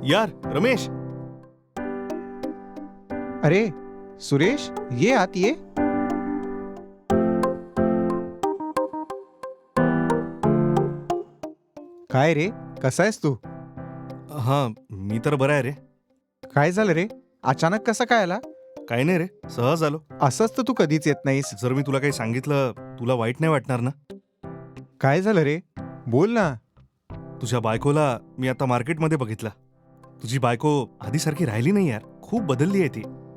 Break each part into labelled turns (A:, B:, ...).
A: यार रमेश,
B: अरे सुरेश, ये आत ये. काय रे, कसा आहेस तू?
A: हां मी तर बरा आहे रे.
B: काय झालं रे, अचानक कसा काय आला?
A: काही नाही रे, सहज आलो.
B: असंच तर तू कधीच येत नाहीस.
A: जर मी तुला काही सांगितलं तुला वाईट नाही वाटणार ना?
B: काय झालं रे, बोल ना.
A: तुझ्या बायकोला मी आता मार्केटमध्ये बघितलं. तुझी बायको आधीसारखी राहिली नाही यार, खूप बदलली आहे ती.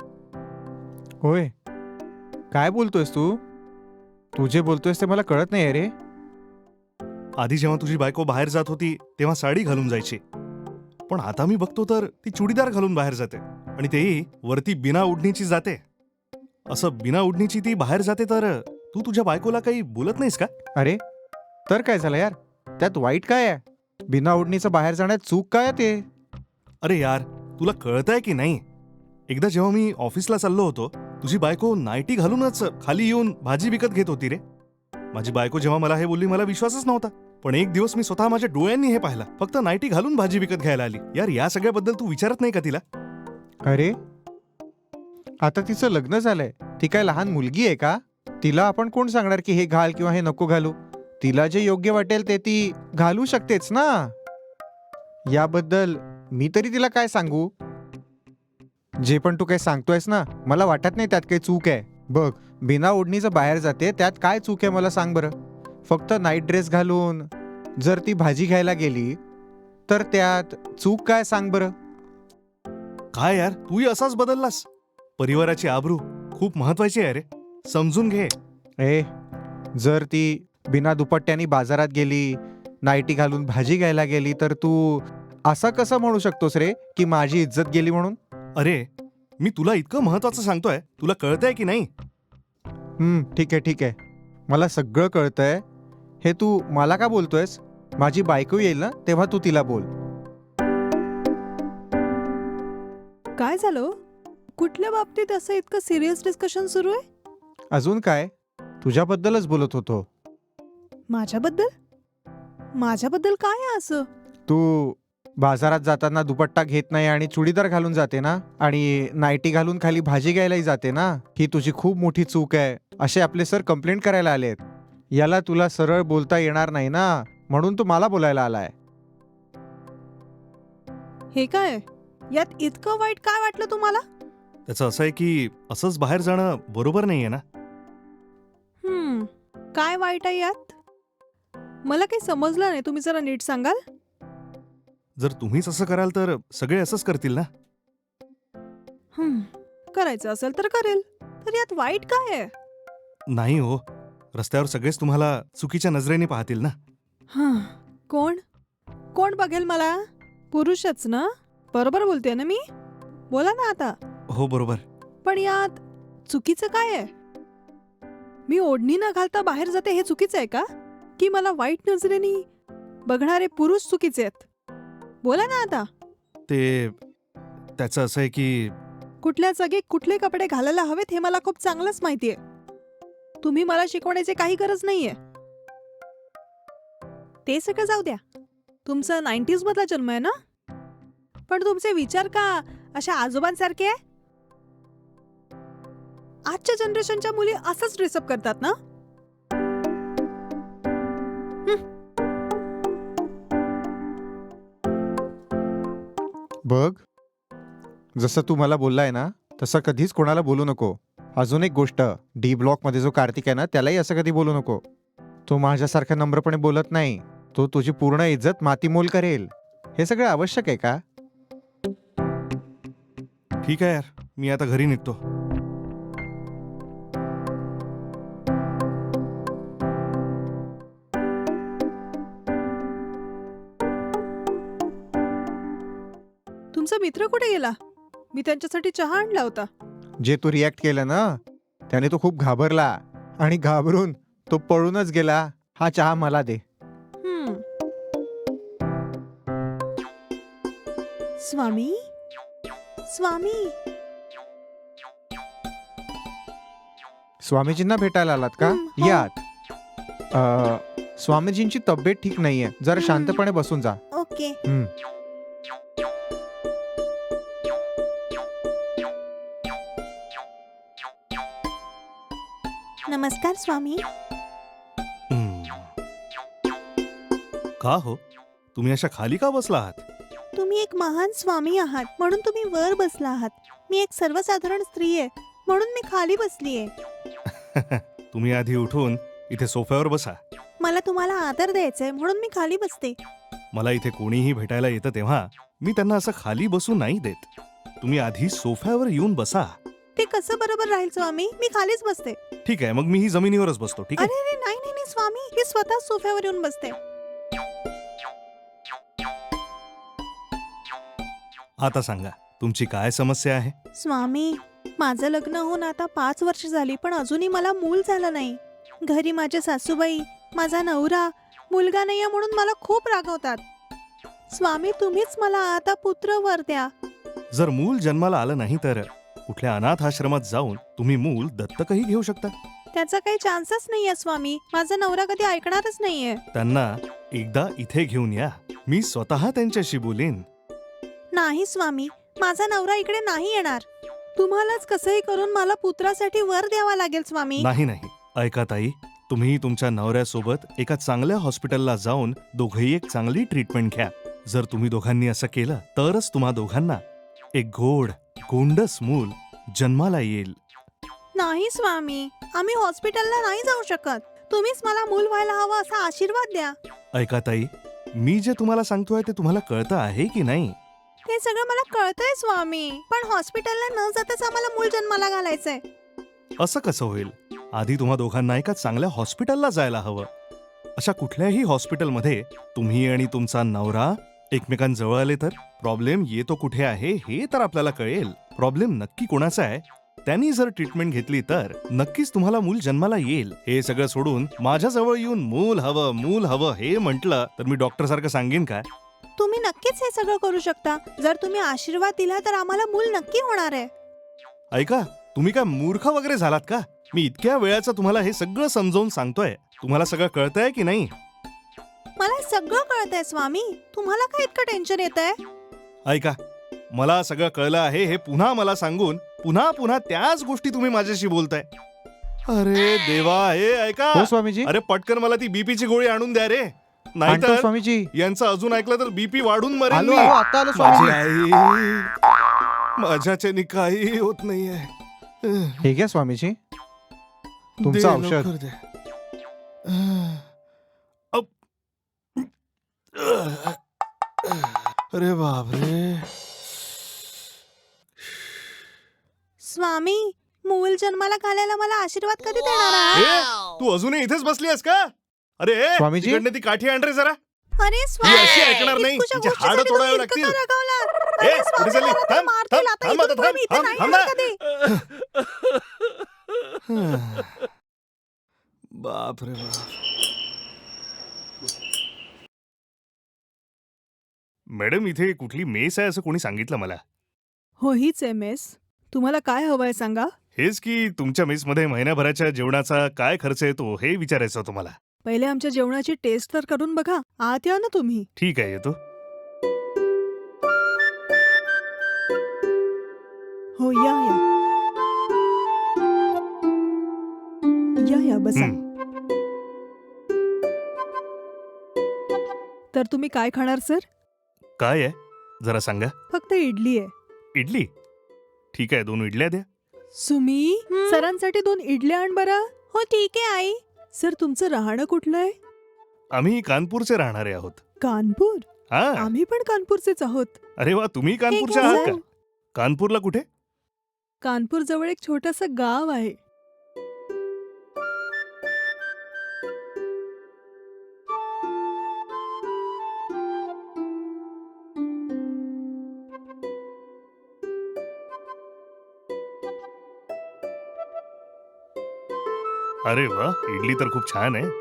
B: होय, काय बोलतोयस तू? तू जे बोलतोयस ते मला कळत नाही रे.
A: आधी जेव्हा तुझी बायको बाहेर जात होती तेव्हा साडी घालून जायची, पण आता मी बघतो तर ती चुडीदार घालून बाहेर जाते, आणि तेही वरती बिना ओढणीची जाते. असं बिना ओढणीची ती बाहेर जाते तर तू तुझ्या बायकोला काही बोलत नाहीस का?
B: अरे तर काय झालं यार, त्यात वाईट काय आहे? बिना ओढणीचं बाहेर जाण्यात चूक काय आहे ते?
A: अरे यार, तुला कळतंय की नाही? एकदा जेव्हा मी ऑफिसला चाललो होतो, तुझी बायको नाईटी घालूनच खाली येऊन भाजी विकत घेत होती रे. माझी बायको जेव्हा मला हे बोलली मला विश्वासच नव्हता, पण एक दिवस मी स्वतः माझ्या डोळ्यांनी हे पाहिलं. फक्त नाईटी घालून भाजी विकत घ्यायला आली. यार या सगळ्याबद्दल तू विचारत नाही का तिला?
B: अरे आता तिचं लग्न झालंय, ती काय लहान मुलगी आहे का? तिला आपण कोण सांगणार की हे घाल किंवा हे नको घालू? तिला जे योग्य वाटेल ते ती घालू शकतेच ना. याबद्दल मी तरी तिला काय सांगू? जे पण तू काही सांगतोयस ना, मला वाटत नाही त्यात काही चूक आहे. बघ, बिना ओढणीचं बाहेर जाते त्यात काय चूक आहे मला सांग बरं. फक्त नाईट ड्रेस घालून जर ती भाजी घ्यायला गेली तर त्यात चूक काय सांग बरं?
A: काय यार, तूही असाच बदललास? परिवाराची आबरू खूप महत्वाची आहे रे, समजून घे.
B: ए, जर ती बिना दुपट्ट्यानी बाजारात गेली, नाईटी घालून भाजी घ्यायला गेली, तर तू असं कसं म्हणू शकतोस रे की माझी इज्जत गेली म्हणून?
A: अरे मी तुला इतकं महत्वाचं सांगतोय, तुला कळतंय की नाही?
B: ठीक आहे ठीक आहे, मला सगळं कळतंय. हे तू मला का बोलतोयस? माझी बायको येईल ना तेव्हा तू तिला बोल.
C: काय झालं? कुठल्या बाबतीत असं इतकं सिरियस डिस्कशन सुरू आहे?
B: अजून काय, तुझ्याबद्दलच बोलत होतो.
C: माझ्याबद्दल? माझ्याबद्दल काय आहे असं?
B: तू बाजारात जाताना दुपट्टा घेत नाही आणि चुडीदार घालून जाते ना, आणि नाईटी घालून खाली भाजी घ्यायलाही जाते ना. ही तुझी खूप मोठी चूक आहे, असे आपले सर कंप्लेंट करायला आलेत. याला तुला सरळ बोलता येणार नाही ना, म्हणून तू मला बोलायला आलाय.
C: हे काय? यात इतकं वाईट काय वाटलं तुम्हाला?
A: त्याचं असं आहे की असंच बाहेर जाणं बरोबर नाहीये ना.
C: काय वाईट आहे यात? मला काही समजलं नाही, तुम्ही जरा नीट सांगाल?
A: जर तुम्हीच असं कराल तर सगळे असंच करतील ना.
C: करायचं असेल तर करेल, तर यात वाईट काय आहे?
A: नाही हो, रस्त्यावर सगळेच तुम्हाला चुकीच्या नजरेने पाहतील ना.
C: कोण कोण बघेल मला? पुरुषच ना? बरोबर बोलते ना मी? बोला ना आता.
A: हो बरोबर.
C: पण यात चुकीचं काय आहे? मी ओढणी न घालता बाहेर जाते हे चुकीचं आहे का? की मला वाईट नजरेने बघणारे पुरुष चुकीचे आहेत? बोला ना आता.
A: त्याचं असं आहे की
C: कुठल्या जागी कुठले कपडे घालायला हवेत हे मला खूप चांगलंच माहितीये. तुम्ही मला शिकवण्याची काही गरज नाहीये. ते सगळं जाऊ द्या. तुमचा 90s मधला जन्म आहे ना? पण तुमचे विचार का अशा आजोबांसारखे आहे? आजच्या जनरेशनच्या मुली असंच ड्रेसअप करतात ना?
B: बघ, जसं तू मला बोललाय ना तसं कधीच कोणाला बोलू नको. अजून एक गोष्ट, डी ब्लॉक मध्ये जो कार्तिक आहे ना त्यालाही असं कधी बोलू नको. तो माझ्यासारखा नम्रपणे बोलत नाही, तो तुझी पूर्ण इज्जत मातीमोल करेल. हे सगळं आवश्यक आहे का?
A: ठीक आहे यार, मी आता घरी निघतो.
C: तुमचा मित्र कुठे गेला? मी त्यांच्यासाठी चहा आणला होता.
B: जे तू रिॲक्ट केलं ना त्याने तो खूप घाबरला, आणि घाबरून तो पळूनच गेला. हा चहा मला दे.
C: स्वामी, स्वामी.
B: स्वामीजींना भेटायला आलात का?
C: हो.
B: यात स्वामीजींची तब्येत ठीक नाहीये, जरा शांतपणे बसून जा.
C: ओके.
D: नमस्कार स्वामी.
A: का हो तुम्ही अशा खाली का बसला आहात?
D: तुम्ही एक महान स्वामी आहात म्हणून तुम्ही वर बसला आहात. मी एक सर्वसाधारण स्त्री आहे म्हणून मी खाली बसली आहे.
A: तुम्ही आधी उठून इथे सोफ्यावर बसा.
D: मला तुम्हाला आदर द्यायचाय म्हणून मी खाली बसते.
A: मला इथे कोणीही भेटायला येतं तेव्हा मी त्यांना असं खाली बसू नाही देत. तुम्ही आधी सोफ्यावर येऊन बसा.
D: ते कसं बरोबर राहील स्वामी? मी खालीच बसते.
A: ठीक आहे, मग मी ही जमिनीवरच बसतो. ठीक
D: अरे
A: आहे.
D: अरे नाही नाही नाही स्वामी, मी स्वतः सोफ्यावर येऊन बसते.
A: आता सांगा तुमची काय समस्या आहे?
D: स्वामी, माझं लग्न होऊन आता 5 वर्ष झाली पण अजूनही मला मूल झालं नाही. घरी माझे सासूबाई, माझा नवरा, मुलगा नाहीये म्हणून मला खूप रागवतात. स्वामी, तुम्हीच मला आता पुत्र वर द्या.
A: जर मूल जन्माला आलं नाही तर कुठल्या अनाथ आश्रमात जाऊन तुम्ही मूल दत्तकही घेऊ शकता.
D: त्याचा काही चान्सच नाहीये स्वामी. माझा नवरा कधी ऐकणारच नाहीये.
A: त्यांना एकदा इथे घेऊन या. मी स्वतः त्यांच्याशी बोलेन.
D: नाही स्वामी, माझा नवरा इकडे नाही येणार. तुम्हालाच कसंही करून मला पुत्रासाठी वर द्यावा लागेल स्वामी.
A: नाही नाही, ऐका ताई, तुम्ही तुमच्या नवऱ्यासोबत एका चांगल्या हॉस्पिटलला जाऊन दोघंही एक चांगली ट्रीटमेंट घ्या. जर तुम्ही दोघांनी असं केलं तरच तुम्हा दोघांना एक गोंडस मूल जन्माला येईल.
D: नाही स्वामी, आम्ही हॉस्पिटलला नाही जाऊ शकत. तुम्हीच मला मूल व्हायला हवं असा आशीर्वाद द्या.
A: ऐका ताई, मी जे तुम्हाला सांगतोय ते तुम्हाला कळतं आहे की नाही?
D: ते सगळं मला कळतंय स्वामी, पण हॉस्पिटलला न जाताच आम्हाला मूल जन्माला घालायचंय.
A: असं कसं होईल? आधी तुम्हा दोघांना एका चांगल्या हॉस्पिटलला जायला हवं. अशा कुठल्याही हॉस्पिटलमध्ये तुम्ही आणि तुमचा नवरा एकमेकांजवळ आले तर प्रॉब्लेम येतो कुठे आहे हे तर आपल्याला कळेल. प्रॉब्लेम नक्की कोणाचा आहे त्यांनी जर ट्रीटमेंट घेतली तर नक्कीच तुम्हाला मूल जन्माला येईल. हे सगळं सोडून माझ्याजवळ येऊन मूल हवं हे म्हटलं तर मी डॉक्टर सारखं सांगेन काय?
D: तुम्ही नक्कीच हे सगळं करू शकता. जर तुम्ही आशीर्वाद दिला तर आम्हाला मूल नक्की होणार आहे.
A: ऐका, तुम्ही काय मूर्ख वगैरे झालात का? मी इतक्या वेळाचं तुम्हाला हे सगळं समजावून सांगतोय. तुम्हाला सगळं कळतंय की नाही?
D: मला सगळं कळतंय स्वामी. तुम्हाला काय इतकं टेन्शन येतंय?
A: ऐका, मला सगळं कळलं आहे हे पुन्हा मला सांगून पुन्हा त्याच गोष्टी तुम्ही माझ्याशी बोलताय. अरे देवा, हे ऐका.
B: हो स्वामीजी.
A: अरे पटकन मला ती बीपीची गोळी आणून द्या रे,
B: आणतो
A: नाहीतर
B: स्वामीजी.
A: यांचं अजून ऐकलं तर बीपी वाढून मरेल
B: आलो
A: मी.
B: आलो, आता आलो
A: माझी
B: स्वामीजी.
A: आई, माझ्याच्याने काही होत नाहीये.
B: हे घ्या स्वामीजी, तुमचं
A: दे,
B: औषध.
A: लवकर दे. अप. अरे बापरे.
D: स्वामी, मूल जन्माला घालायला मला आशीर्वाद कधी देणार आहात?
A: ए, तू अजूनही इथेच बसली आहेस का? अरे
B: स्वामीजी?
A: तिकडनं ती काठी आण रे जरा.
D: अरे
A: ही अशी ऐकणार नाही.
D: इतकुशा
A: तिची
D: गोष्टीसाठी
A: हाडं तोडावी
D: तुम्ही
A: लागतील.
D: इतकं का रागावलात?
A: ए,
D: अरे स्वामी,
A: कुठे चालली?
D: मला तर
A: थांब,
D: मारतील. आता
A: थांब,
D: इथून
A: थांब,
D: पुढे मी इथे
A: थांब,
D: नाही
A: थांब
D: येणार
A: ना.
D: कधी.
A: बाप रे बाप. मॅडम, इथे कुठली मेस आहे असं कोणी सांगितलं मला.
C: हो, हीच आहे मेस. तुम्हाला काय हवंय सांगा.
A: हेच की तुमच्या मेसमध्ये महिन्याभराच्या जेवणाचा काय खर्च येतो हे विचारायचं होतं मला.
C: पहिले आमच्या जेवणाची टेस्ट तर करून बघा. आत या ना तुम्ही.
A: ठीक आहे, येतो.
C: हो, या या या या बसा.
A: हं.
C: तर तुम्ही काय खाणार सर?
A: काय आहे जरा सांगा.
C: फक्त इडली आहे.
A: इडली? ठीक आहे, 2 इडल्या द्या.
C: सुमी,
D: हं?
C: सरांसाठी 2 इडल्या आण बरं.
D: हो ठीक आहे आई.
C: सर, तुमचं राहणं कुठलं आहे?
A: आम्ही कानपूरचे राहणारे आहोत.
C: कानपूर?
A: हा.
C: आम्ही पण कानपूरचेच आहोत.
A: अरे वा, तुम्ही कानपूरच्या
D: घ्या,
A: आहात
D: सर.
A: का? कानपूरला कुठे?
C: कानपूर जवळ एक छोटंसं गाव आहे.
A: अरे वा, इडली तर खूप छान आहे.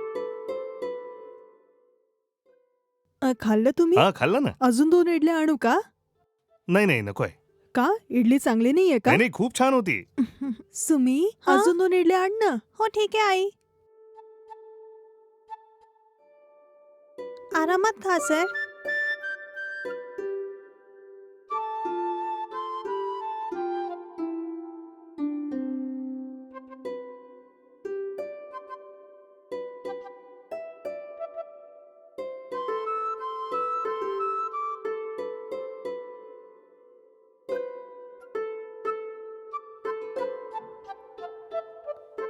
C: खाल्लं तुम्ही?
A: हा, खाल्लं ना.
C: अजून 2 इडल्या आणू का?
A: नाही नाही, नकोय.
C: का? इडली चांगली नाहीये का?
A: नाही नाही, खूप छान होती.
C: सुमी,
D: हा?
C: अजून 2 इडल्या आण ना.
D: हो ठीक आहे आई. आरामात खा सर.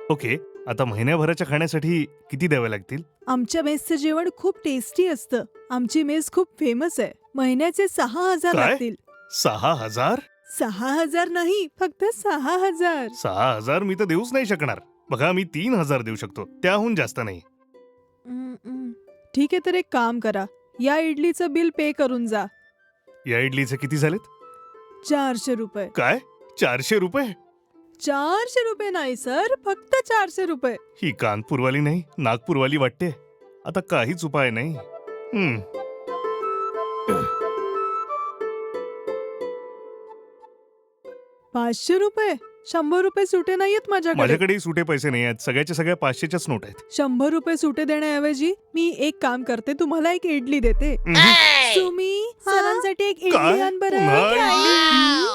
A: ओके, आता महिन्याभराच्या खाण्यासाठी किती द्यावे लागतील?
C: आमच्या मेसचं जेवण खूप टेस्टी असतं. आमची मेस खूप फेमस आहे. महिन्याचे 6,000
A: काय?
C: लागतील.
A: 6,000?
C: 6,000 नाही, फक्त 6,000.
A: 6,000 मी तर देऊच नाही शकणार. बघा, मी 3,000 देऊ शकतो, त्याहून जास्त नाही.
C: ठीक आहे, तर एक काम करा, या इडलीचं बिल पे करून जा.
A: या इडलीचे किती झालेत?
C: 400 रुपये.
A: काय? 400 रुपये?
C: 400 रुपये नाही सर, फक्त 400 रुपये.
A: ही कानपूरवाली नाही, नागपूरवाली वाटते. आता काहीच उपाय नाही. हम्म.
C: 500 रुपये? 100 रुपये सुटे नाहीयेत माझ्याकडे.
A: माझ्याकडेही सुटे पैसे नाही आहेत. सगळ्याच्या सगळ्या 500च्याच नोट आहेत.
C: 100 रुपये सुटे देण्याऐवजी मी एक काम करते, तुम्हाला एक इडली देते.
A: उम्हम.
C: तुम्ही सरांसाठी एक इडली
A: काय?
C: आण बरं.
A: पुन्हा इडली?